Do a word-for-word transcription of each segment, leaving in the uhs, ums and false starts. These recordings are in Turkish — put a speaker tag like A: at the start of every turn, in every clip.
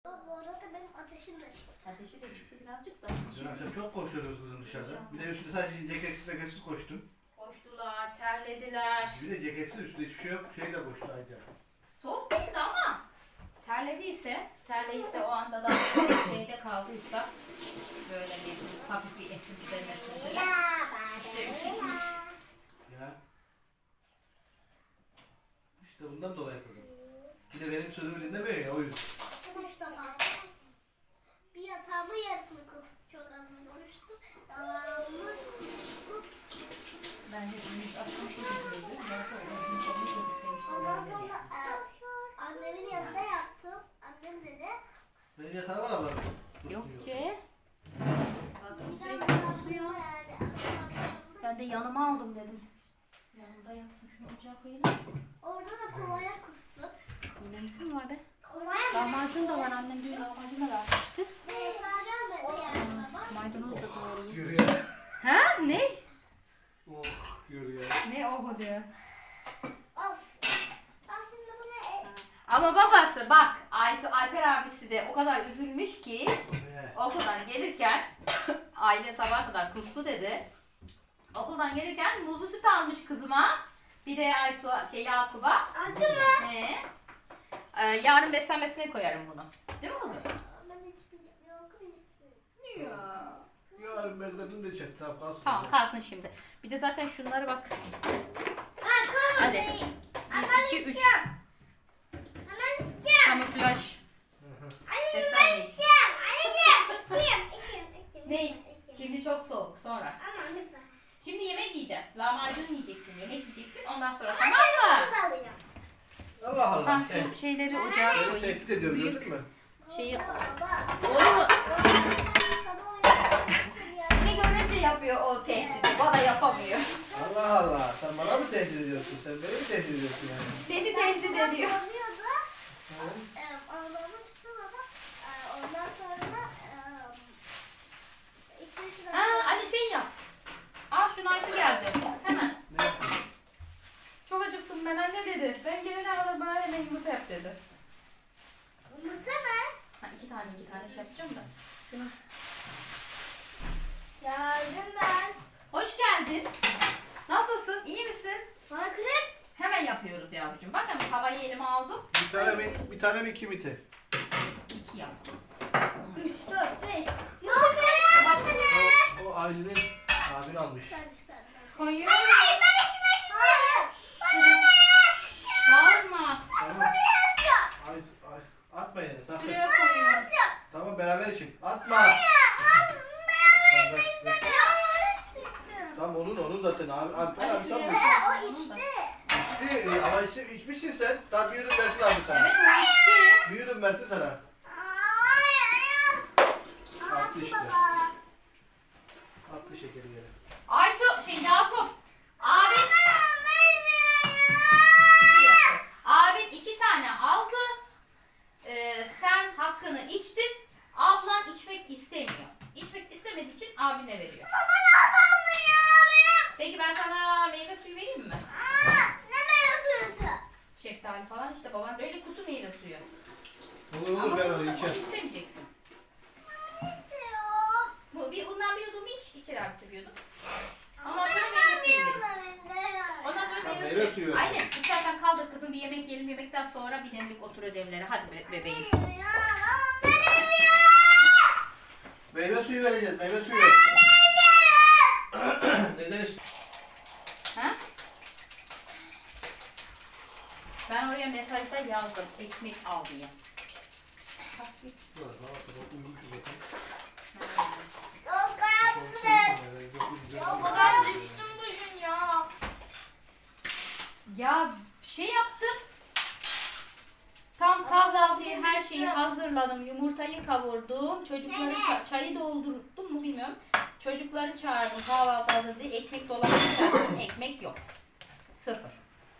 A: Bu arada benim ateşim de çıktı.
B: Ateşi de çıktı birazcık da.
C: Dün akşam çok koşuyoruz kızım dışarıda. Bir de üstünde sadece ceketsiz ceketsiz koştum.
B: Koştular, terlediler.
C: Bir de ceketsiz üstünde hiçbir şey yok. Şeyle koştu Ayda.
B: Soğuk değildi ama terlediyse, terleyip de o anda da şeyde kaldıysa böyle bir hafif bir esinti demesinde de işte üşütmüş.
C: Ya. İşte bundan dolayı kızım. Bir de benim sözümü dinlemiyor ya o yüzden.
A: Mustafa. Bir yatağımın yarısını çok az konuştum. Devamlı
B: Bence yüz altmış gözüküyordu. Zaten o yüz altmış gözüküyormuştu.
A: ondan sonra e, annemin yanında yattım. Annem dedi.
C: Benim yatağım var ablam.
B: Yok ki.
A: Güzel bir yatağım yani.
B: Ben de yanıma aldım dedim. Yanımda yatsın, şunu ocağa koyayım.
A: Orada da kovaya kustum.
B: Yine misin var be?
A: Kovaya
B: Lahmacun da var, annem bir lahmacun da vermişti.
A: Beyza gelmedi yani baba.
B: Maydanoz da doğrayayım.
C: Yürü ya.
B: Ha? Ne?
C: Oh yürü ya.
B: Ne o diyor.
A: Of. Bak şimdi bunu e-
B: Ama babası bak, Aytu, Alper abisi de o kadar üzülmüş ki
C: He.
B: okuldan gelirken aile sabaha kadar kustu dedi. Okuldan gelirken muzlu süt almış kızıma. Bir de Aytu, şey Yakup'a.
A: Aldı mı?
B: He. Ee, yarın beslenmesine koyarım bunu. Değil mi kızım?
A: Ben hiç bilmiyorum. Yok bilsin.
B: Ya.
C: Yarın bezlerini de çek. Tamam kalsın.
B: Tamam kalsın şimdi. Bir de zaten şunları bak.
A: Ha kalmadı.
B: Hadi. bir, iki, üç.
A: Hemen içeceğim.
B: Kamuflaj.
A: Anne ben
B: Beslenme için.
A: içeceğim. Anneciğim içeyim. İçeyim. İçeyim.
B: Ne?
A: İçeyim.
B: Şimdi çok soğuk sonra.
A: Ama lütfen.
B: Şimdi yemek yiyeceğiz. Lahmacun yiyeceksin, yemek yiyeceksin. Ondan sonra tamam
A: Ben
B: mı?
A: de alacağım.
C: Allah Allah.
B: Ben
C: He.
B: şu şeyleri ocağa
C: Beni
B: koyayım.
C: tehdit ediyor
B: Büyük
C: gördün mü?
B: şeyi.
A: Baba.
B: Onu
A: Sabah uyandım ya.
B: seni görünce yapıyor o tehdidi. Bana yapamıyor.
C: Allah Allah. Sen bana mı tehdit ediyorsun? Sen beni mi tehdit ediyorsun yani?
B: Seni tehdit ediyor.
A: Yanıyordu.
C: He?
A: Eee, Arabamı tuttum ama eee, ondan sonra eee, iki üç dakika.
B: Ha, hadi şey yap. Al şunu Aytu geldi. Hemen.
C: Ne yapıyorsun?
B: Çok acıktım ben anne dedi. Ben gelene kadar bana hemen yumurta yap dedi.
A: Yumurta mı?
B: Ha, iki tane iki tane şey yapacağım da. Şunu.
A: Geldim ben.
B: Hoş geldin. Nasılsın? İyi misin?
A: Bana krep.
B: Hemen yapıyoruz yavrucuğum. Bak hemen havayı elime aldım.
C: Bir tane mi, bir tane mi iki mi te?
B: İki yap.
A: Üç, dört, beş. Yok ben yapmadım.
C: O, o ailenin abini almış.
A: Sen sen.
B: Koyuyorum.
A: Hayır ben ekmek Hayır.
B: Bağırma.
C: Tamam. Ay, ay, atma yere sakın.
B: Şuraya koyuyorum.
C: Tamam beraber için. Atma. Tamam, ver, ver. Tamam onun onun zaten abi. Abi,
B: Hadi
C: abi
B: şuraya
C: sen
A: O
B: koyalım da.
A: içti.
C: içti e, ama içti, içmişsin sen. Daha büyüdüm versin abi sana.
B: Evet o içti.
C: Büyüdüm versin sana. Attı işte. Attı şekeri yere.
B: Aytu şey Yakup. Abin. Abin iki tane aldı. Ee, sen hakkını içtin. Ablan içmek istemiyor. İçmek istemediği için abine veriyor. Peki ben sana meyve suyu vereyim mi? Şeftali falan işte baban böyle kutu meyve suyu.
C: Olur
B: Ama
C: olur ben
B: bunu
C: onu
B: da
C: içerim.
B: onu istemeyeceksin. Bu, bir, bundan bir yudum iç. İçer abi seviyordum. Ondan sonra meyve suyu verin. Ondan sonra
C: Tamam,
B: meyve,
C: meyve
B: suyu.
C: suyu ver.
B: Aynen. İstersen kaldır kızım bir yemek yiyelim. Yemekten sonra bir demlik otur ödevlere. Hadi be, bebeğim.
C: Meyve suyu vereceğiz. Meyve suyu. Neden istiyorsun?
B: Ha? Ben oraya mesajda yazdım. Ekmek al diye.
A: Ben düştüm bugün ya.
B: Ya şey yaptım. Tam kahvaltıya her şeyi hazırladım. Yumurtayı kavurdum. Çocukları ça- çayı doldurdum mu bilmiyorum. Çocukları çağırdım kahvaltı hazır diye. Ekmek dolabına çağırdım. Ekmek yok. Sıfır.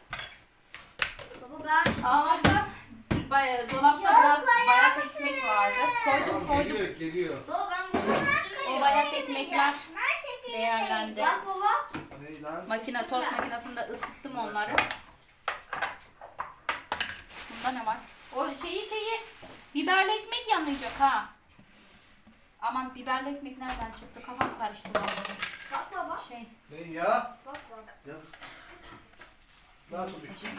A: Baba ben
B: Ama bay- dolapta biraz bayat ekmek vardı. Koydum
C: Tamam,
B: koydum.
C: geliyor geliyor.
A: Baba ben bunu
B: O bayat ekmekler değerlendi.
A: Bak baba.
C: Ne lan?
B: Makine tost makinesinde ısıttım onları. Bunda ne var? O şeyi şeyi Biberli ekmek yanacak ha. Aman biberli ekmek nereden çıktı? Kafam karıştı vallahi.
A: Bak baba.
B: Şey.
C: Ne ya?
A: Bak bak.
C: Ya. Nasıl bir şey?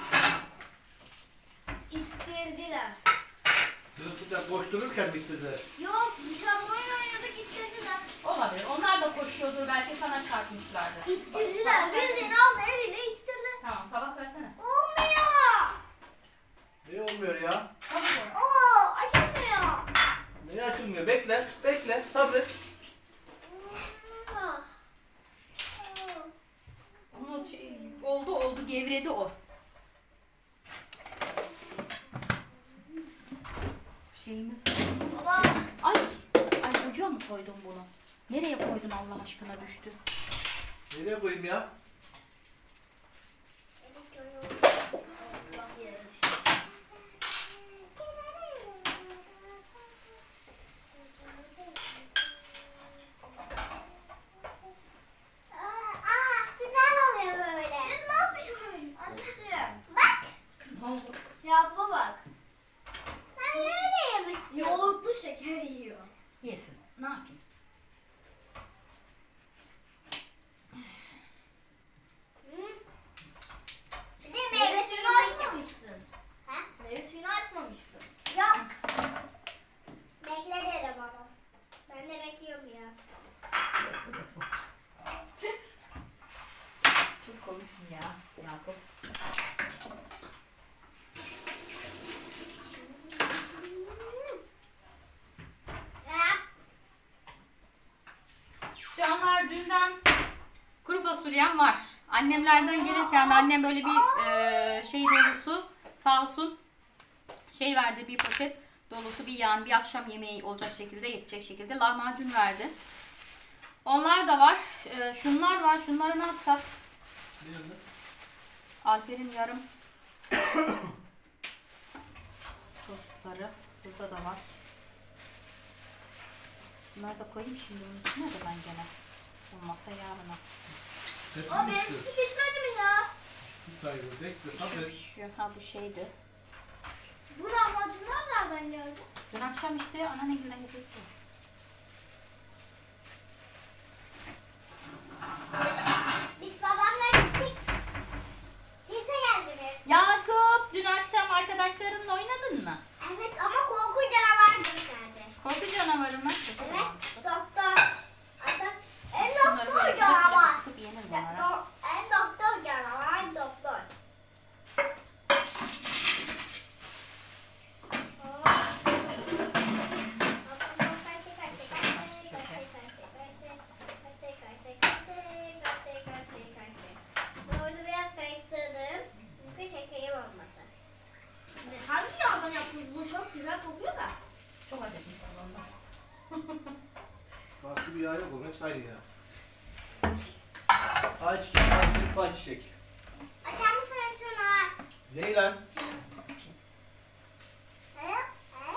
A: İttirdiler.
C: Sınıfta koştururken bitirdiler.
A: Yok dışarı oyun oynadık ittirdiler.
B: Olabilir. Onlar da koşuyordur. Belki sana çarpmışlardır.
A: İttirdiler. Bildiğin aldı eliyle ittirdi.
B: Tamam tabak versene.
A: Olmuyor.
C: Ne olmuyor ya?
A: Oo açılmıyor.
C: Ne açılmıyor? Bekle, bekle, sabret.
A: Ah.
B: Onu şey- oldu oldu gevredi o. Şeyimiz var.
A: Baba.
B: Ay! Ay çocuğa mı koydun bunu? Nereye koydun Allah aşkına düştü?
C: Nereye koyayım ya?
A: Aa, güzel oluyor böyle. Siz ne yapıyorsunuz? Anneciğim. Bak.
B: Ne oldu?
A: Ya bak. Ben öyle yemiştim. Yoğurtlu şeker yiyor.
B: Yesin. Ne yapayım?
A: Bir de meyve suyunu açmamışsın. Ha? Meyve suyunu açmamışsın. Yok. Bekle derim ama. Ben de bekliyorum ya.
B: Çok komiksin ya Yakup. Canlar dünden kuru fasulyem var. Annemlerden gelirken de annem böyle bir e, şey dolusu sağ olsun şey verdi, bir poşet dolusu bir yani bir akşam yemeği olacak şekilde yetecek şekilde lahmacun verdi. Onlar da var. E, şunlar var. Şunları ne yapsak?
C: Nerede?
B: Alper'in yarım tostları. Burada da var. Bunları da koyayım şimdi bunun içine de ben gene. Olmazsa yarına.
A: O benim sıkışmadı mı ya?
C: Hayır, bekle,
B: Şu
C: sabret.
B: pişiyor. Ha bu şeydi.
A: Bu lahmacunlar nereden geldi?
B: Dün akşam işte anneannemle getirdi.
A: Biz babamla gittik. Siz de geldiniz.
B: Yakup dün akşam arkadaşlarınla oynadın mı?
A: Evet ama korku canavarı gösterdi.
B: Korku canavarı mı?
A: Evet doktor. Adam, en
B: Bunları
A: doktor
B: böyle
A: canavar.
B: sıkıp sıkıp yenir bunlara.
A: Do- En doktor canavar doktor. Böyle biraz karıştırdım. Çünkü şekerim olmasın. Hangi yağdan yaptınız? Bu çok güzel kokuyor da.
B: Çok acıkmış salonda.
C: Farklı bir yağ yok oğlum, hepsi aynı ya. Ayçiçek, ayçiçek, ayçiçek.
A: Açar mısın şunu?
C: Ne lan?
A: He? He?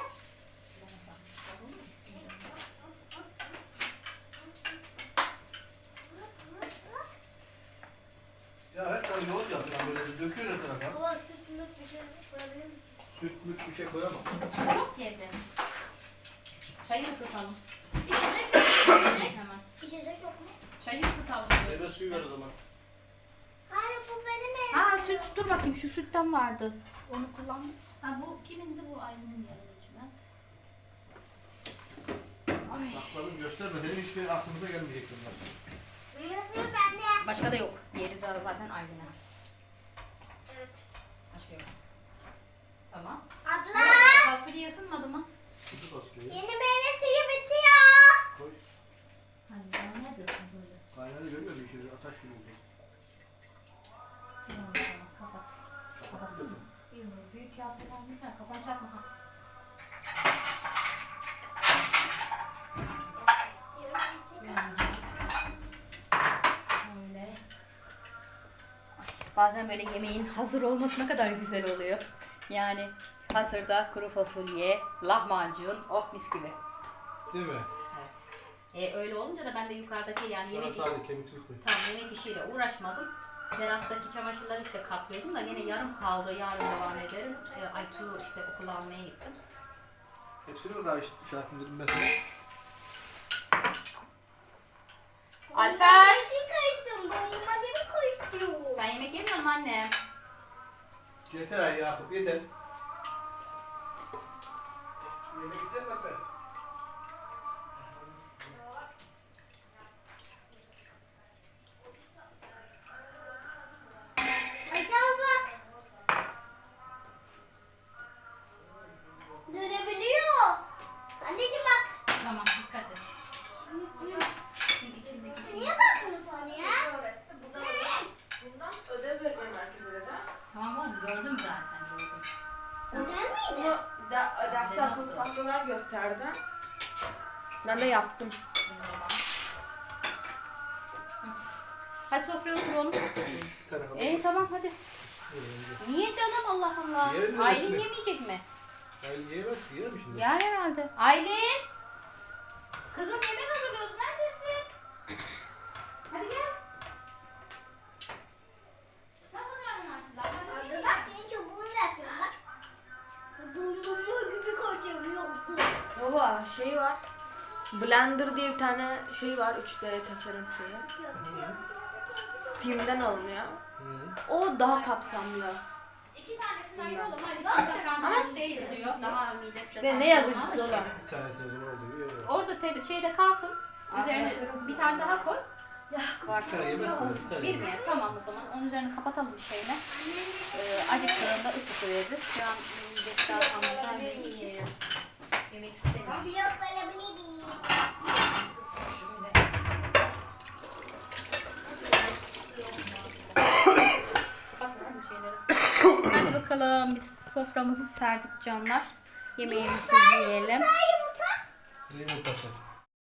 C: Ya her tane yoğurt yapıyor, böyle döküyor her tarafa.
A: Baba süt müt bir şey koyabilir misin?
C: Süt müt bir şey koyamam.
B: Yok ki evde. Çayı ısıtalım.
A: İçecek İçecek.
B: Hemen.
A: İçecek yok mu?
B: Çayı ısıtalım.
C: Meyve suyu ver o zaman.
A: Hayır bu benim evim.
B: Ha süt dur bakayım şu sütten vardı. Onu kullandım. Ha bu kimindi bu Aylin'in yarım içmez. Ay.
C: Sakladım, gösterme. Senin hiçbir aklımıza gelmeyecek bunlar.
A: Meyve suyu bende.
B: Başka da yok. Diğeri zaten Aylin'e.
A: Evet.
B: Açıyorum. Tamam.
A: Abla.
B: Fasulye ısınmadı mı?
C: Kutu fasulyeyi
A: Yeni meyve suyu bitiyor.
C: koy.
B: Hani daha neredesin böyle?
C: Kaynadı görüyor musun? Şöyle ataş gibi oldu.
B: Tamam tamam kapat. Kapattın mı? Bilmiyorum. Büyük kaseler güzel. Kapanacak mı? Ha. Şöyle. Ay, bazen böyle yemeğin hazır olması ne kadar güzel oluyor. Yani hazırda kuru fasulye, lahmacun, oh mis gibi.
C: Değil mi?
B: Evet. E, öyle olunca da ben de yukarıdaki yani
C: Sana
B: yemek işi,
C: sadece kemikli koy.
B: tam yemek işiyle uğraşmadım. Terastaki çamaşırları işte katlıyordum da yine yarım kaldı. Yarın devam ederim. E, Aytu'yu işte okula almaya gittim.
C: Hepsini mi daha işte şey yapayım dedim ben sana.
B: Alper.
A: Koştum. Dondurma gibi koştum.
B: Ben yemek yemiyorum anne.
C: Yeter ay Yakup yeter. Yemek yeter mi Alper?
A: Hocam bak. Dönebiliyor. Anneciğim bak.
B: Tamam dikkat et. Çünkü içindeki şey.
A: Niye bakmıyorsun ya?
D: Bundan ödev vereceğim herkese de.
B: Tamam oğlum gördüm zaten gördüm.
A: Öder miydi?
D: Bunu da, derste
B: Nasıl?
D: akıllı tahtalar gösterdi. Ben de yaptım.
B: Hadi sofraya oturalım.
C: Bir tane kaldı.
B: Ee tamam hadi. Niye canım Allah Allah.
C: Yerim
B: Aylin
C: mi?
B: yemeyecek mi?
C: Aylin yiyemez ki yer mi şimdi?
B: Yer herhalde. Aylin. Kızım yemek hazırlıyoruz. Neredesin? Hadi gel. Nasıl karnın açtı? Hadi
A: Arda bak senin çubuğunu yapıyorum bak. Dondurma gibi koşuyorum yoktu.
D: Baba şey var. Blender diye bir tane şey var. üç D tasarım şeyi. Steam'den alınıyor.
C: Hı.
D: O daha kapsamlı.
B: İki tanesini ayıralım. Hadi şimdi karnın aç değil diyor. Daha midesi de
D: Ve ne
B: kalsın.
D: yazıcısı olan.
C: Bir tanesini o zaman oldu. Yiyor.
B: Orada temiz şeyde kalsın. Üzerine
D: Arkadaşlarım-
B: bir tane daha koy.
D: Var.
C: Bir tane yemez mi? Bir tane
B: Bir mi? Tamam o zaman. Onun üzerine kapatalım bir şeyle. Ee, acıktığında ısıtıveririz. Şu an midesi daha tam gelmediği için yemek istemiyor.
A: Yok böyle bir bir.
B: Şöyle. Kapatalım bu şeyleri. Hadi bakalım biz soframızı serdik canlar. Yemeğimizi yiyelim.
A: Yumurta.
C: Ne yumurtası?